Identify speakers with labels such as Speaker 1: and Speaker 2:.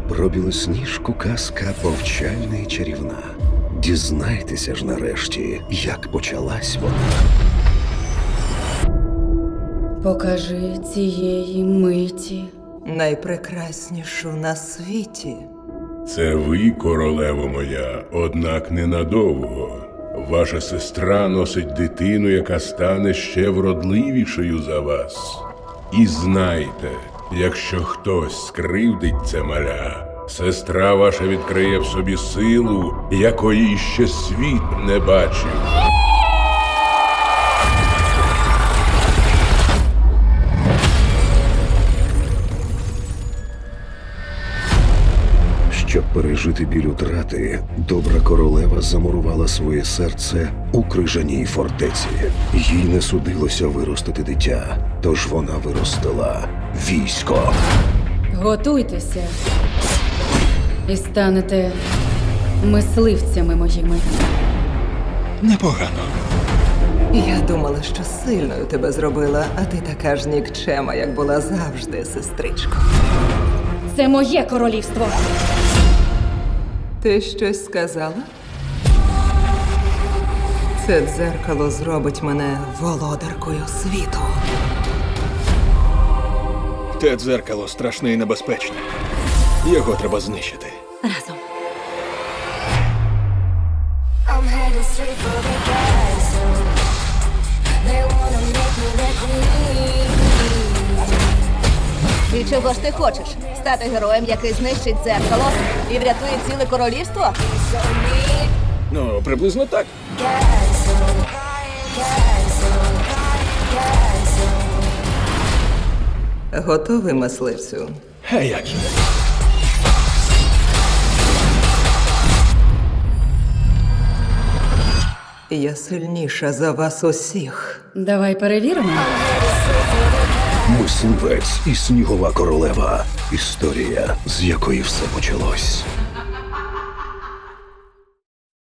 Speaker 1: Про білосніжку казка повчальна і чарівна. Дізнайтеся ж нарешті, як почалась вона.
Speaker 2: Покажи цієї миті.
Speaker 3: Найпрекраснішу на світі.
Speaker 4: Це ви, королево моя, однак ненадовго. Ваша сестра носить дитину, яка стане ще вродливішою за вас. І знайте, якщо хтось скривдить це маля, сестра ваша відкриє в собі силу, якої ще світ не бачив.
Speaker 1: Щоб пережити біль утрати, добра королева замурувала своє серце у крижаній фортеці. Їй не судилося виростити дитя, тож вона виростила військо.
Speaker 2: Готуйтеся і станете мисливцями моїми.
Speaker 5: Непогано.
Speaker 3: Я думала, що сильною тебе зробила, а ти така ж нікчема, як була завжди, сестричко.
Speaker 2: Це моє королівство.
Speaker 3: Ти щось сказала? Це дзеркало зробить мене володаркою світу.
Speaker 5: Те дзеркало страшне і небезпечне. Його треба знищити.
Speaker 2: Разом.
Speaker 6: I'm headed straight for the castle. They wanna make me their queen.
Speaker 7: І чого ж ти хочеш? Стати героєм, який знищить дзеркало і врятує ціле королівство?
Speaker 5: Ну, приблизно так.
Speaker 6: Castle, castle, castle.
Speaker 3: Готовий, мисливцю?
Speaker 5: А як же?
Speaker 3: Я сильніша за вас усіх.
Speaker 2: Давай перевіримо.
Speaker 1: Мисливець і снігова королева. Історія, з якої все почалось.